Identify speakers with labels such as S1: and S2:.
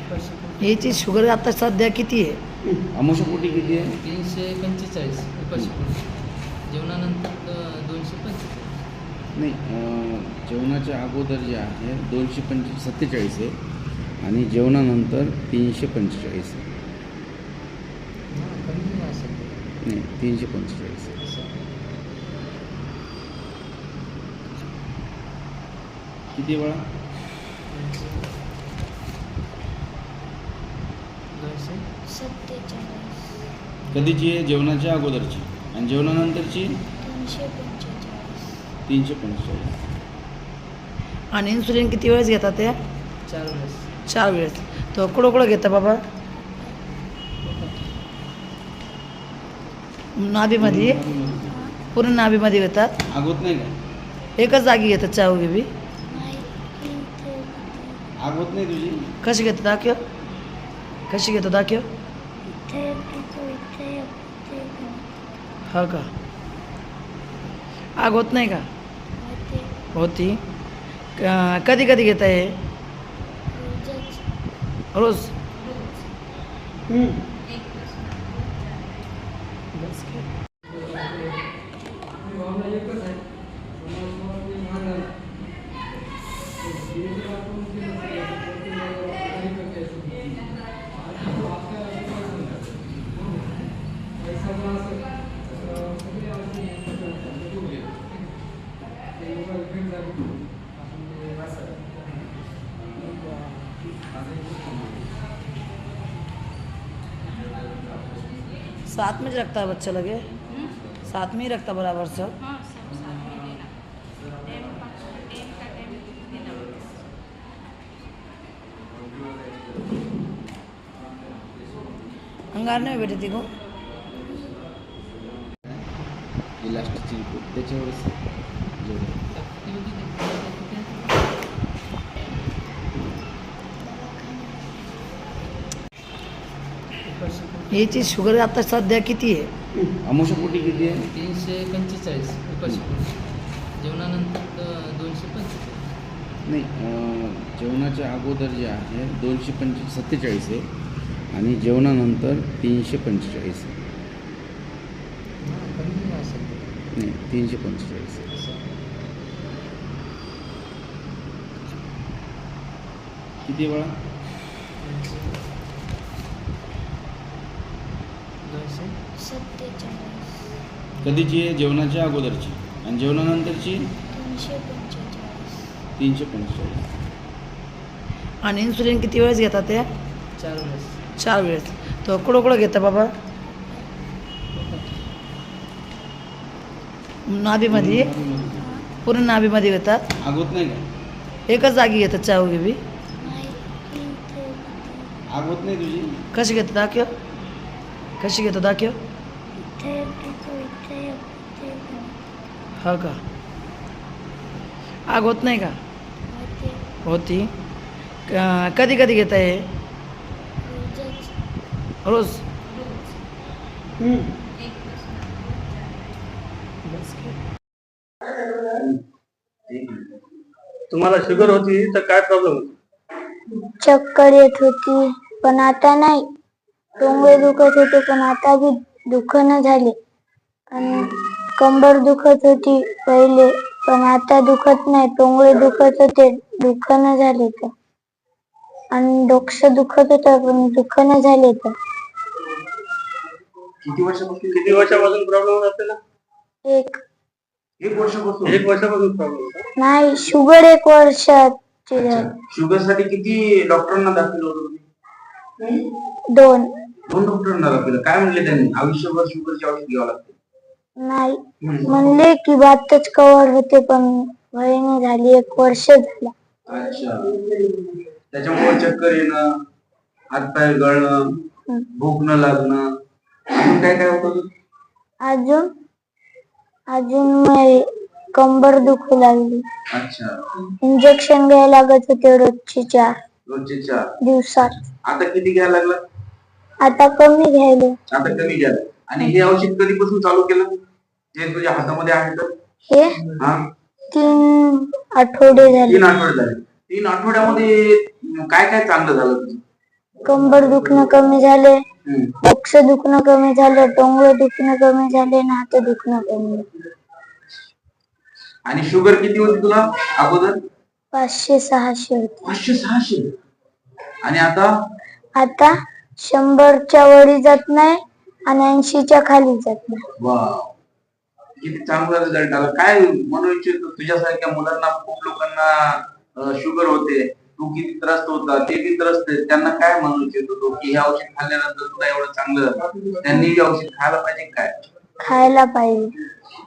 S1: याची शुगर आता सध्या किती आहे?
S2: अमावस्यापोटी किती आहे?
S3: 345 उपाशीपोटी. जेवणानंतर 245.
S2: नाही, जेवणाच्या अगोदर जे आहे 247 आहे आणि जेवणानंतर 345 आहे.
S3: कमी नाही असेल ते.
S2: नाही, 345 आहे.
S3: असं.
S2: किती वेळा?
S3: 247.
S2: कधीची आहे? जेवणाच्या अगोदरची. आणि जेवणानंतरची 345.
S1: आणि इन्सुलिन किती वेळेस घेतात त्या?
S3: 4 वेळेस.
S1: 4 वेळेस. तो कुठं घेता बाबा? नाभीमध्ये? पूर्ण नाभीमध्ये घेतात?
S2: आग होत नाही का?
S1: एकच जागी घेतात चाव बी?
S2: आग होत नाही तुझी?
S1: कशी घेतात दाखव? कशी घेतो दाखव? हो का? आग होत नाही का? होती. कधी कधी घेता हे? रोज. साथ में रखता है बच्चा लगे? साथ में ही रखता बराबर सब?
S4: हाँ, सब साथ में लेना। टाइम का टाइम देना होगा।
S1: अंगार नाही भेटत ती को?
S2: इलास्टिकची रिपोर्ट त्याच्यावरच जेवढं.
S1: याची शुगर आता सध्या किती आहे?
S2: अमावस्यापोटी किती आहे?
S3: 345 उपाशीपोटी. जेवणानंतर 245.
S2: नाही, जेवणाच्या अगोदर जे आहे 247 आहे आणि जेवणानंतर 345 आहे.
S3: कमी नाही असेल ते.
S2: नाही, 345 आहे.
S3: असं.
S2: किती वेळा?
S3: 247.
S2: कधीची आहे? जेवणाच्या अगोदरची. आणि जेवणानंतरची 345.
S1: आणि इन्सुलिन किती वेळेस घेतात त्या?
S3: 4 वेळेस.
S1: 4 वेळेस. तो कुठं घेता बाबा? नाभीमध्ये? पूर्ण नाभीमध्ये घेतात?
S2: आग होत नाही का?
S1: एकच जागी घेतात चाव बी?
S2: आग होत नाही तुझी?
S1: कशी घेतो दाखव? कशी घेतो दाखव? हो का? आग होत नाही का? होती. कधी कधी घेता हे? रोज.
S5: तुम्हाला शुगर होती तर काय प्रॉब्लेम होता?
S6: चक्कर येत होती पण आता नाही. टोंगे दुखत होते पण आता बी दुखणं झाले. आणि कंबर दुखत होती पहिले पण आता दुखत नाही. टोंगे दुखत होते, दुखणं झाले तर. आणि डोकं दुखत होतं पण दुखणं झाले तर.
S5: किती वर्षापासून प्रॉब्लेम होता आपल्याला?
S6: एक
S5: एक वर्षापासून प्रॉब्लेम होता?
S6: नाही, शुगर 1 वर्षाची झाली.
S5: शुगर साठी किती डॉक्टरांना दाखवलं होतं तुम्ही?
S6: 2.
S5: 2 डॉक्टरांना दाखवलं. काय म्हणले त्यांनी? आयुष्यभर शुगरची औषध घ्यावं लागते?
S6: नाही, म्हणले की बातच कव्हर होते पण वहिनी झाली 1 वर्ष झाला.
S5: अच्छा. त्याच्यामुळे चक्कर येणं, हातपाय गळणं, भूक न लागणं, अजून काय काय होतं?
S6: अजून कंबर दुखू लागली.
S5: अच्छा.
S6: इंजेक्शन घ्यायला लागत होते रोजचे 4 दिवसात.
S5: आता किती घ्यायला लागला?
S6: आता कमी घ्यायला.
S5: आता कमी घ्यायला. आणि हे औषध कधीपासून चालू केलं? जे तुझ्या हातामध्ये आहे तर?
S6: हे
S5: हा,
S6: 3 आठवडे झाले.
S5: 3 आठवडे झाले. 3 आठवड्यामध्ये काय काय चांगलं झालं तुझं?
S6: कंबर दुखणं कमी झाले,
S5: हम्म.
S6: डोकं दुखणं कमी झालं, टोंगळे दुखणं कमी झाले आणि हात दुखणं कमी झालं.
S5: आणि शुगर किती होती तुला अगोदर?
S6: 500-600 होते.
S5: 500-600. आणि आता
S6: आता 100च्या वरी जात नाही आणि 80च्या खाली जात नाही.
S5: वाव, किती चांगला रिझल्ट आला. काय म्हणू इच्छितो तुझ्यासारख्या मुलांना, खूप लोकांना शुगर होते, तू किती त्रस्त होता, ते बी त्रस्त आहेत, त्यांना काय म्हणू इच्छितो तू की हे औषध खाल्ल्यानंतर तुला एवढं चांगलं, त्यांनी बी औषध खायला पाहिजे काय?
S6: खायला पाहिजे.